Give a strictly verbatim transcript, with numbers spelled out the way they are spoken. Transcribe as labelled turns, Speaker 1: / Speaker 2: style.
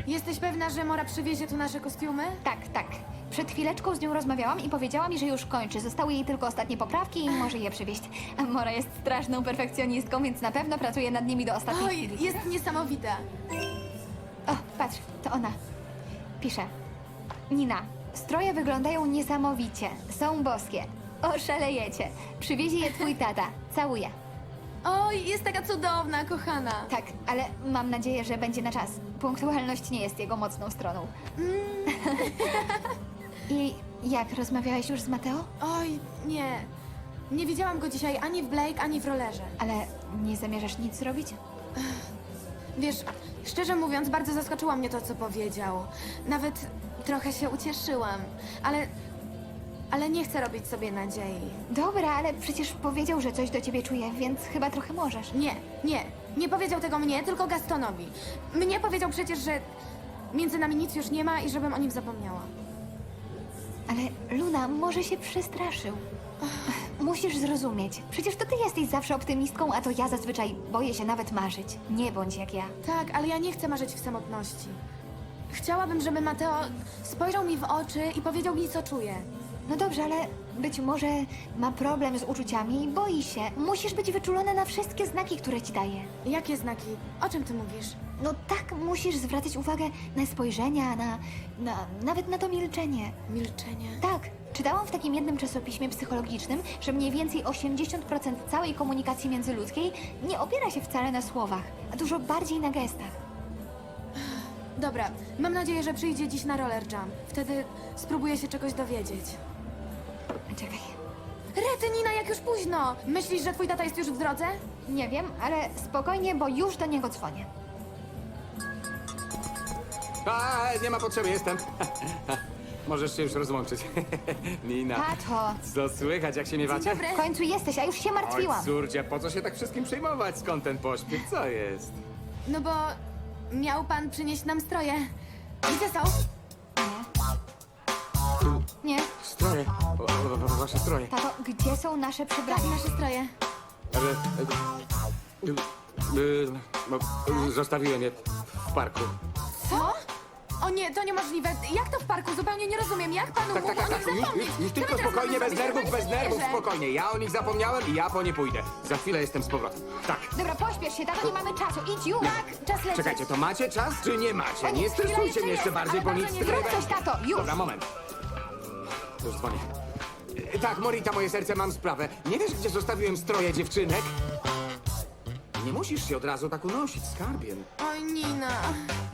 Speaker 1: Jesteś pewna, że Mora przywiezie tu nasze kostiumy?
Speaker 2: Tak, tak. Przed chwileczką z nią rozmawiałam i powiedziała mi, że już kończy. Zostały jej tylko ostatnie poprawki i może je przywieźć. A Mora jest straszną perfekcjonistką, więc na pewno pracuje nad nimi do ostatniej
Speaker 1: Oj,
Speaker 2: chwili.
Speaker 1: jest niesamowita.
Speaker 2: O, patrz, to ona. Pisze. Nina, stroje wyglądają niesamowicie. Są boskie. Oszalejecie. Przywiezie je twój tata. Całuję.
Speaker 1: Oj, jest taka cudowna, kochana.
Speaker 2: Tak, ale mam nadzieję, że będzie na czas. Punktualność nie jest jego mocną stroną. I jak, rozmawiałeś już z Mateo?
Speaker 1: Oj, nie. Nie widziałam go dzisiaj ani w Blake, ani w rollerze.
Speaker 2: Ale nie zamierzasz nic zrobić?
Speaker 1: Wiesz, szczerze mówiąc, bardzo zaskoczyło mnie to, co powiedział. Nawet trochę się ucieszyłam, ale... Ale nie chcę robić sobie nadziei.
Speaker 2: Dobra, ale przecież powiedział, że coś do ciebie czuje, więc chyba trochę możesz.
Speaker 1: Nie, nie. Nie powiedział tego mnie, tylko Gastonowi. Mnie powiedział przecież, że między nami nic już nie ma i żebym o nim zapomniała.
Speaker 2: Ale Luna, może się przestraszył. Musisz zrozumieć. Przecież to ty jesteś zawsze optymistką, a to ja zazwyczaj boję się nawet marzyć. Nie bądź jak ja.
Speaker 1: Tak, ale ja nie chcę marzyć w samotności. Chciałabym, żeby Mateo spojrzał mi w oczy i powiedział mi, co czuje.
Speaker 2: No dobrze, ale być może ma problem z uczuciami i boi się. Musisz być wyczulona na wszystkie znaki, które ci daje.
Speaker 1: Jakie znaki? O czym ty mówisz?
Speaker 2: No tak, musisz zwracać uwagę na spojrzenia, na, na nawet na to milczenie.
Speaker 1: Milczenie.
Speaker 2: Tak, czytałam w takim jednym czasopiśmie psychologicznym, że mniej więcej osiemdziesiąt procent całej komunikacji międzyludzkiej nie opiera się wcale na słowach, a dużo bardziej na gestach.
Speaker 1: Dobra, mam nadzieję, że przyjdzie dziś na roller jump. Wtedy spróbuję się czegoś dowiedzieć.
Speaker 2: Czekaj,
Speaker 1: Rety, Nina, jak już późno! Myślisz, że twój tata jest już w drodze?
Speaker 2: nie wiem, ale spokojnie, bo już do niego dzwonię.
Speaker 3: A, nie ma potrzeby, jestem. Możesz się już rozłączyć. Nina,
Speaker 2: Tato,
Speaker 3: co słychać, jak się miewacie?
Speaker 1: dobry.
Speaker 2: w końcu jesteś, a już się
Speaker 3: Oj,
Speaker 2: martwiłam.
Speaker 3: córcia, po co się tak wszystkim przejmować? Skąd ten pośpiech? Co jest?
Speaker 1: No bo miał pan przynieść nam stroje. Gdzie są?
Speaker 2: Nie,
Speaker 3: Stroje. O, o, o, wasze stroje.
Speaker 2: tato, gdzie są nasze
Speaker 1: Tak,
Speaker 2: przebrania?
Speaker 1: nasze stroje.
Speaker 3: Ale... e, e, e, no, e, Zostawiłem je w parku.
Speaker 1: Co? O nie, to niemożliwe. Jak to w parku? Zupełnie nie rozumiem. Jak pan
Speaker 3: Tak,
Speaker 1: mógł
Speaker 3: tak, tak,
Speaker 1: o
Speaker 3: tak.
Speaker 1: nich
Speaker 3: Już,
Speaker 1: zapomnieć?
Speaker 3: już, już
Speaker 1: Co
Speaker 3: tylko
Speaker 1: my teraz
Speaker 3: spokojnie,
Speaker 1: mamy
Speaker 3: bez
Speaker 1: zrobić?
Speaker 3: nerwów,
Speaker 1: Ja
Speaker 3: bez
Speaker 1: pani nie
Speaker 3: nerwów,
Speaker 1: wierzę.
Speaker 3: spokojnie. Ja o nich zapomniałem i ja po nie pójdę. Za chwilę jestem z powrotem. Tak.
Speaker 2: Dobra, pośpiesz się, tato, nie mamy czasu, idź już!
Speaker 1: Tak, czas lecieć.
Speaker 3: Czekajcie, to macie czas, czy nie macie? Nie
Speaker 1: chwila
Speaker 3: stresujcie
Speaker 1: jeszcze
Speaker 3: mnie jeszcze
Speaker 1: jest,
Speaker 3: bardziej,
Speaker 1: ale
Speaker 3: bo
Speaker 1: bardzo
Speaker 3: nic
Speaker 1: nie
Speaker 3: z tego
Speaker 2: Zrób coś, tato, już!
Speaker 3: Dobra, moment. Już dzwonię. E, Tak, Morita, moje serce, mam sprawę. Nie wiesz, gdzie zostawiłem stroje dziewczynek? Nie musisz się od razu tak unosić, skarbie.
Speaker 1: Oj, Nina.